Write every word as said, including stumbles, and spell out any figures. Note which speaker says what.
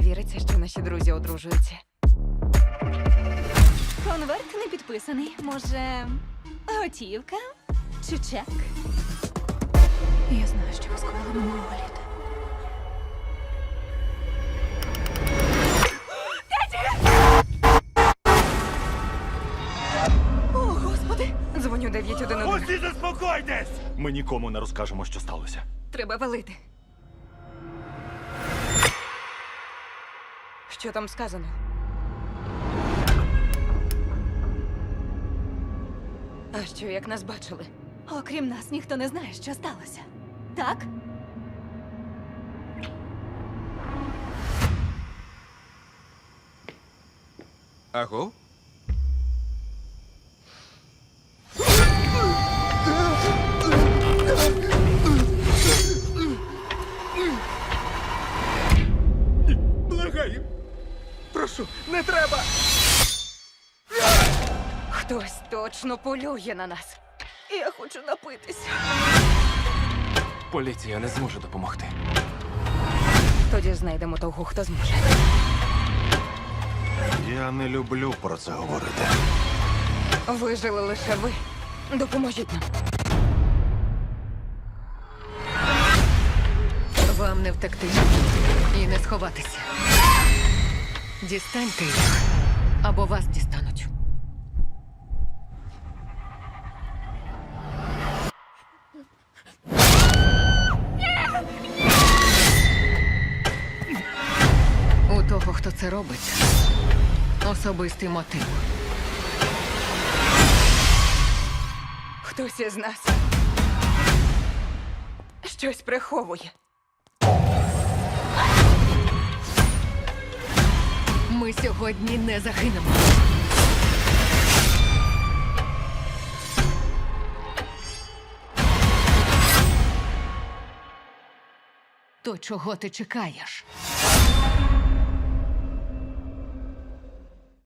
Speaker 1: віриться, що наші друзі одружуються.
Speaker 2: Конверт не підписаний. Може, готівка чи чек? Я знаю, що ви скоїли минулого літа. О, Господи!
Speaker 1: Дзвоню дев'ять один один.
Speaker 3: Усі заспокойтесь! Ми нікому не розкажемо, що сталося.
Speaker 1: Треба валити. Що там сказано? А що, як нас бачили?
Speaker 2: Окрім нас, ніхто не знає, що сталося. Так?
Speaker 4: Аго? Благаю. Прошу, не треба.
Speaker 1: Хтось точно полює на нас.
Speaker 2: Я хочу напитися.
Speaker 4: Поліція не зможе допомогти.
Speaker 1: Тоді знайдемо того, хто зможе.
Speaker 3: Я не люблю про це говорити.
Speaker 1: Вижили лише ви. Допоможіть нам.
Speaker 5: Вам не втекти і не сховатися. Дістаньте їх, або вас дістануть. У того, хто це робить, особистий мотив.
Speaker 1: Хтось із нас щось приховує.
Speaker 5: Ми сьогодні не загинемо. То чого ти чекаєш?